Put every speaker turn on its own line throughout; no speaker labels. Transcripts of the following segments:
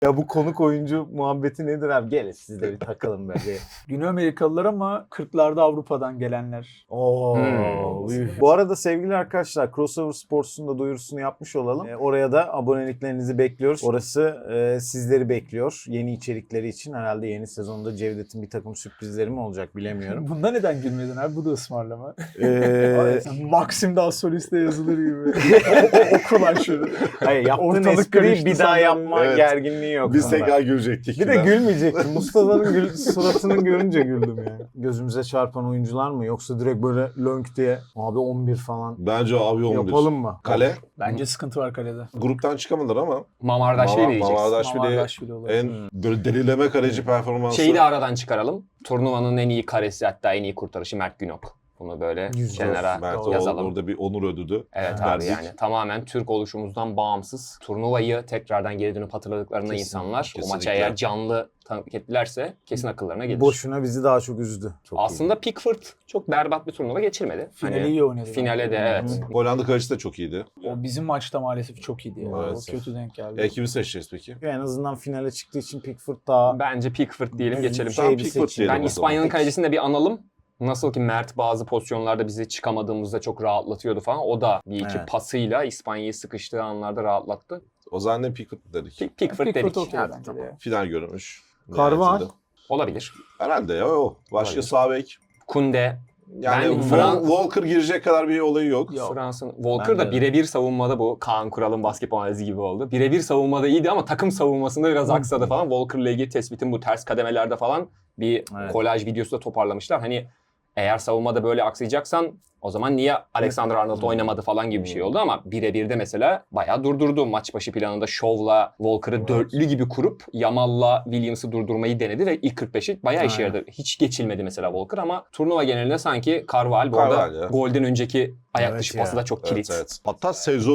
Ya bu konuk oyuncu muhabbeti nedir abi? Gelin siz de bir takılın be.
Güney Amerikalılar ama 40'larda Avrupa'dan gelenler.
Oo. Bu arada sevgili arkadaşlar, Crossover Sports'un da duyurusunu yapmış olalım. Oraya da aboneliklerinizi bekliyoruz. Orası sizleri bekliyor. Yeni içerikleri için herhalde yeni sezonda Cevdet'in bir takım sürprizleri mi olacak bilemiyorum.
Bunda neden gülmedin abi? Bu da ısmarlama. Maxim daha soliste yazılır gibi. Oku lan şunu.
Hayır, yaptığın
Ortalık
espriyi
karıştı
bir daha
sanırım.
yapma
Evet.
gerginliği yok.
Biz
bunda.
tekrar gülecektik.
Bir de gülmeyecektim. Mustafa'nın suratını görünce güldüm yani. Gözümüze çarpan oyuncular mı? Yoksa direkt böyle lönk diye abi 11 falan
Bence abi 11.
yapalım mı?
Kale.
Bence sıkıntı var kalede.
Gruptan çıkamadılar ama.
Mamardaşvili diyeceksin.
Mamardaşvili
Mamardaşvili olabilir.
en böyle delileme kaleci performansı.
Şeyi de aradan çıkaralım. Turnuvanın en iyi karesi, hatta en iyi kurtarışı Mert Günok. Bunu böyle kenara
Mert
yazalım.
orada bir onur ödülü.
Evet abi,
verdik.
yani tamamen Türk oluşumuzdan bağımsız. Turnuvayı tekrardan geri dönüp hatırladıklarında
Kesin,
insanlar o maçı
kesinlikle.
eğer canlı tanıklık ettilerse kesin akıllarına gelir.
Boşuna bizi daha çok üzdü. Çok
Aslında Pickford çok berbat bir turnuva geçirmedi.
Finali iyi oynadı.
Finale de evet.
Hollanda kalecisi de çok iyiydi.
O bizim maçta maalesef çok iyiydi. Ya.
Evet.
O kötü denk geldi.
Kimi seçeceğiz peki?
En azından finale çıktığı için Pickford daha
Bence Pickford diyelim, geçelim.
Şey bir
Pickford
seçim.
diyelim
Ben
o zaman.
İspanya'nın kalecisini de bir analım. Nasıl ki Mert bazı pozisyonlarda bizi çıkamadığımızda çok rahatlatıyordu falan. O da bir iki
Evet.
pasıyla İspanya'yı sıkıştığı anlarda rahatlattı.
O zaman ne Pickford dedik.
Pickford dedik.
okey
Evet,
bence
tamam.
de ya.
Final görmüş.
Karvan.
Nihayetinde.
Olabilir.
Herhalde ya o. Başka
Olabilir.
sağ bek.
Kunde.
Yani
Ben Fran-
Walker girecek kadar bir olayı yok.
Yok.
Fransa'nın Walker da
de.
birebir savunmada bu. Kaan Kural'ın basketbol analizi gibi oldu. Birebir savunmada iyiydi ama takım savunmasında biraz aksadı falan. Walker'la ilgili tespitin bu ters kademelerde falan bir
Evet.
kolaj videosu da toparlamışlar. Hani eğer savunmada böyle aksayacaksan o zaman niye Alexander Arnold oynamadı falan gibi bir şey oldu ama birebir de mesela bayağı durdurdu. Maç başı planında Show'la Walker'ı dörtlü gibi kurup Yamal'la Williams'ı durdurmayı denedi ve ilk 45'i bayağı işe
Aynen.
yaradı. Hiç geçilmedi mesela Walker ama turnuva genelinde sanki Carvalho bu
Carvalho
arada
ya.
golden önceki ayak
Evet
dışı
ya.
pası da çok kilit.
Evet. Hatta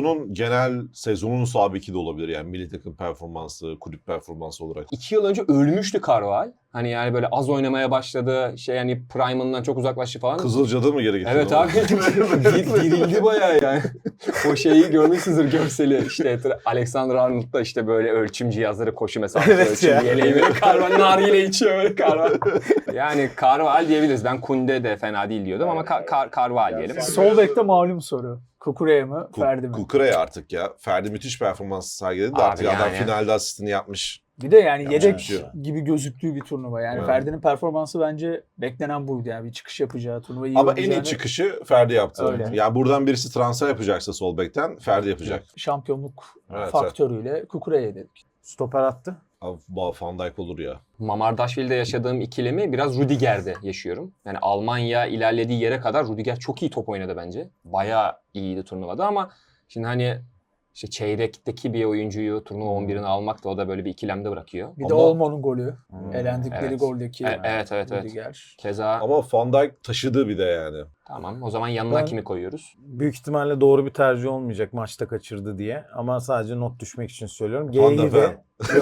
sezonun sabiki de olabilir yani milli takım performansı, kulüp performansı olarak.
2 yıl önce ölmüştü Carvalho. Hani yani böyle az oynamaya başladı. Hani prime'ından çok uzaklaştı falan.
Kızılca'da mı geri getirdi?
Evet abi. Dirildi bayağı yani. O şeyi görmüşsünüzdür görseli. İşte Alexander Arnold'da işte böyle ölçüm cihazları, koşu mesafesi
Evet
ölçüm
ya.
yeleği böyle Carvalho nargile içiyor böyle Carvalho. Yani Carvalho diyebiliriz. Ben Kunde de fena değil diyordum ama Carvalho diyelim.
Sol bekte malum soru. Kukure'ye mi? Ferdi mi?
Kukure'ye artık ya. Ferdi müthiş performans sergiledi de
Abi
artık adam
yani.
finalde asistini yapmış.
Bir de yani
Yapacak
yedek
bir şey yok.
gibi gözüktüğü bir turnuva. Yani
Evet.
Ferdi'nin performansı bence beklenen buydu. Yani bir çıkış yapacağı, turnuvayı iyi
Ama en iyi
oynayacağını-
çıkışı Ferdi yaptı.
Öyle.
Yani buradan birisi transfer yapacaksa sol bekten Ferdi yapacak.
şampiyonluk
Evet,
faktörüyle Kukure'ye dedik.
stoper attı.
Abi Van Dijk olur ya.
Mamardaşvili'de yaşadığım ikilemi biraz Rüdiger'de yaşıyorum. Yani Almanya ilerlediği yere kadar Rüdiger çok iyi top oynadı bence. Bayağı iyiydi turnuvada ama şimdi hani işte çeyrekteki bir oyuncuyu turnuva 11'ine almak da o da böyle bir ikilemde bırakıyor.
Bir de
Ama-
Olmo'nun golü. Elendikleri
Evet.
goldeki
Evet.
Rüdiger.
Keza
Ama Van Dijk taşıdı bir de yani.
tamam, o zaman yanına
Ben-
kimi koyuyoruz?
Büyük ihtimalle doğru bir tercih olmayacak maçta kaçırdı diye. Ama sadece not düşmek için söylüyorum.
Van de
G'yi de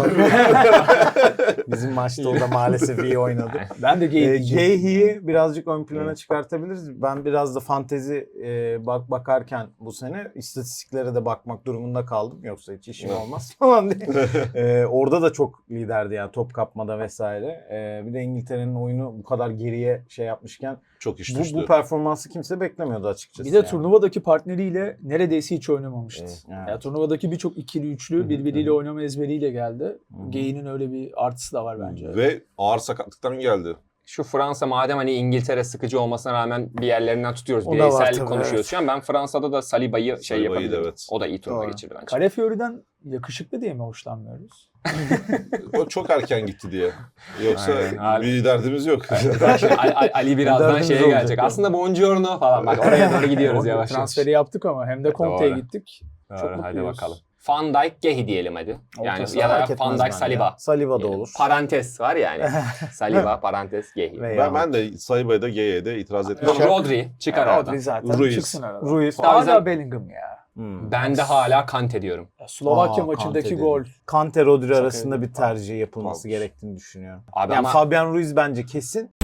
bizim maçta o da maalesef iyi oynadı.
Ben de Geyik'ciyim.
Geyhi'yi birazcık ön plana çıkartabiliriz. Ben biraz da fantezi bakarken bu sene istatistiklere de bakmak durumunda kaldım. Yoksa hiç işim
Evet.
olmaz falan diye. Orada da çok liderdi yani top kapmada vesaire. Bir de İngiltere'nin oyunu bu kadar geriye şey yapmışken
Çok iş düştü.
bu performansı kimse beklemiyordu açıkçası.
Bir de
yani.
turnuvadaki partneriyle neredeyse hiç oynamamıştı.
Evet.
Ya turnuvadaki birçok ikili üçlü birbiriyle oynama ezberiyle geldi. Gey'in öyle bir artısı da var bence.
Ve ağır sakatlıktan geldi.
Şu Fransa madem hani İngiltere sıkıcı olmasına rağmen bir yerlerinden tutuyoruz.
O da var
Bireysellik
tabii,
konuşuyoruz
evet.
şu an. Ben Fransa'da da Saliba'yı
Saliba'yı da
yapabilirim.
evet.
O da iyi turnuva
Doğru.
geçirdi bence.
Calafiori'den yakışıklı diye mi hoşlanmıyoruz?
O çok erken gitti diye. Yoksa
Aynen.
bir derdimiz yok.
Şimdi Ali birazdan
Derdimiz
şeye
olacak
gelecek.
yani.
Aslında Buongiorno falan. Bak oraya doğru gidiyoruz yavaş yavaş.
Transferi yaptık ama hem de Conte'ye
Doğru.
gittik.
Doğru,
Çok
hadi
mutluyuz.
bakalım. Van Dijk, Gehi diyelim hadi. Yani
Ortası
ya da
Fark etmez
Van Dijk,
bence.
Saliba.
Saliba da
diyelim.
olur.
Parantez var yani. Saliba, parantez, Gehi.
Veya
ben de Saliba'ya da G'ye de itiraz
Tamam,
etmiyorum.
Rodri çıkar
Rodri
aradan.
zaten
Ruiz.
çıksın aradan.
Ruiz.
Daha
Hala
güzel-
Bellingham ya.
Ben de hala Kante diyorum.
Slovakya
Aa,
maçındaki
Kante
gol.
dedim. Kante Rodri
Çok
arasında
iyi.
bir tercih yapılması
Tamam.
gerektiğini düşünüyorum.
Abi
Yani
ama
Fabian Ruiz bence kesin.